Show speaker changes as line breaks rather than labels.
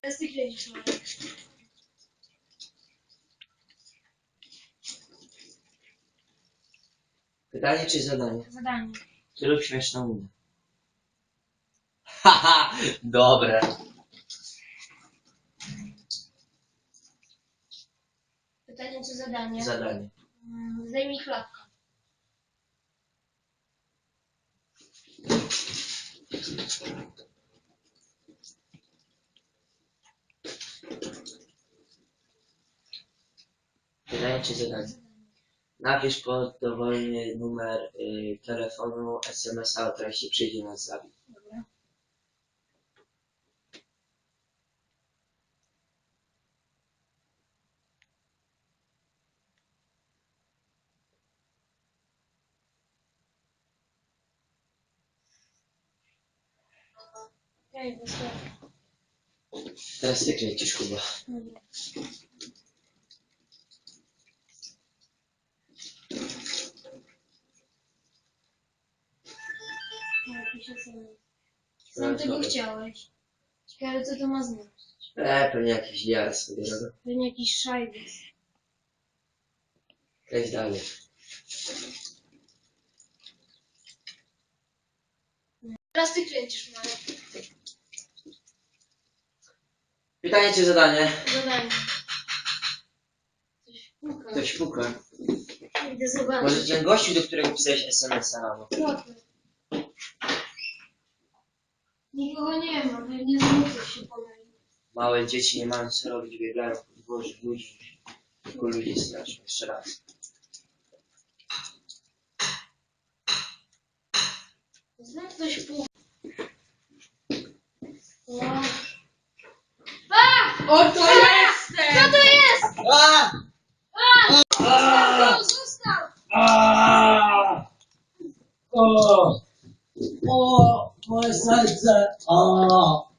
Teraz ty kręcisz, Marek.
Pytanie czy zadanie?
Zadanie.
Ty lub śmieszną minę. Haha, dobre.
Pytanie czy zadanie?
Zadanie.
Zdejmij klapkę.
Pytanie czy zadanie? Napisz pod dowolny numer telefonu SMS-a o treści przyjdzie nas zabić.
Dobra. Okej, wystarczy.
Teraz ty kręcisz, Kuba.
Dobra. No, jakiś SMS. Sam tego chciałeś. Ciekawe co to ma znaczyć.
Pewnie jakiś diar sobie robię.
Pewnie jakiś szajbus.
Kręć dalej.
Teraz ty kręcisz, Marek.
Pytanie czy zadanie?
Zadanie. Coś puka.
Ktoś puka.
Idę zobaczyć.
Może ten gościu, do którego pisałeś SMS-a rano.
Trochę. Nikogo nie ma, pewnie znowu coś się pomylił.
Małe dzieci nie mają co robić, biegają po dworze ludzi. Tylko ludzie straszą. Jeszcze raz.
Znowu ktoś puka.
Oto jestem!
Co to jest? Zostaw!
O, moje serce! O,